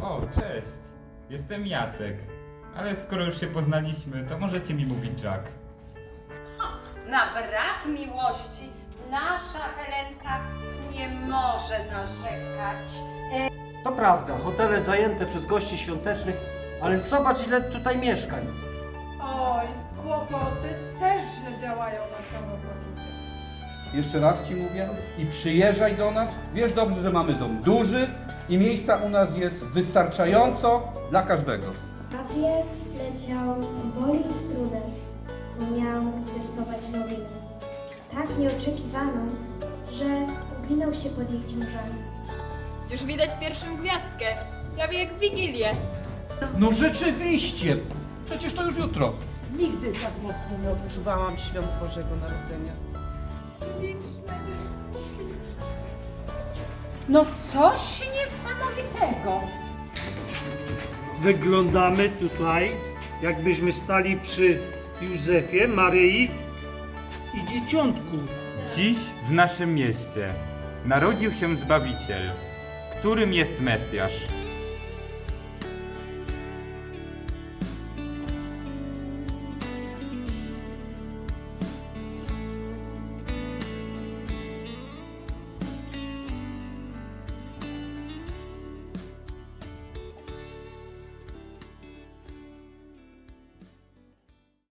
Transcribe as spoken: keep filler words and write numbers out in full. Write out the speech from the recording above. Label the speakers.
Speaker 1: O, cześć. Jestem Jacek. Ale skoro już się poznaliśmy, to możecie mi mówić Jack.
Speaker 2: Na brak miłości nasza Helenka nie może narzekać.
Speaker 3: To prawda, hotele zajęte przez gości świątecznych, ale zobacz ile tutaj mieszkań.
Speaker 4: Oj, kłopoty też źle działają na samopoczucie.
Speaker 5: Jeszcze raz ci mówię i przyjeżdżaj do nas. Wiesz dobrze, że mamy dom duży i miejsca u nas jest wystarczająco dla każdego.
Speaker 6: Papier leciał powoli i z trudem, bo miał zwiastować nowinę. Tak nieoczekiwaną, że uginał się pod ich ciężarem.
Speaker 7: Już widać pierwszą gwiazdkę, prawie jak w Wigilię.
Speaker 5: No rzeczywiście, przecież to już jutro.
Speaker 4: Nigdy tak mocno nie odczuwałam świąt Bożego Narodzenia. No coś niesamowitego.
Speaker 8: Wyglądamy tutaj, jakbyśmy stali przy Józefie, Maryi i Dzieciątku.
Speaker 1: Dziś w naszym mieście narodził się Zbawiciel, którym jest Mesjasz.